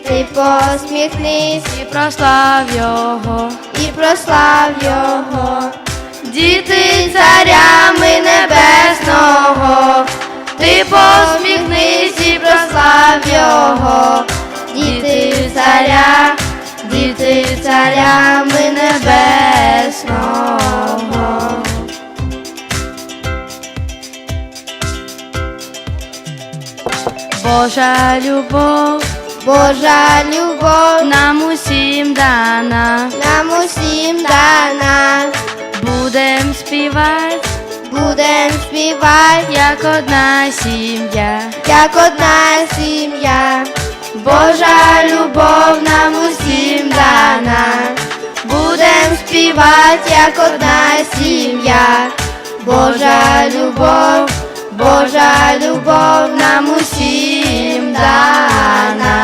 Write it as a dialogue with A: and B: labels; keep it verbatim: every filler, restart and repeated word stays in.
A: Ти посміхнись
B: і прослав Його,
A: і прослав Його.
B: діти царями небесного, ти посміхнись і прослав Його, діти царя, діти царями небесного. Божа любов
A: Божа любов
B: нам усім дана,
A: нам усім дана.
B: будем співати,
A: Будем співати,
B: як одна сім'я.
A: як одна сім'я.
B: Божа любов нам усім дана, будем співати, як одна сім'я. Божа любов, Божа любов нам усім дана.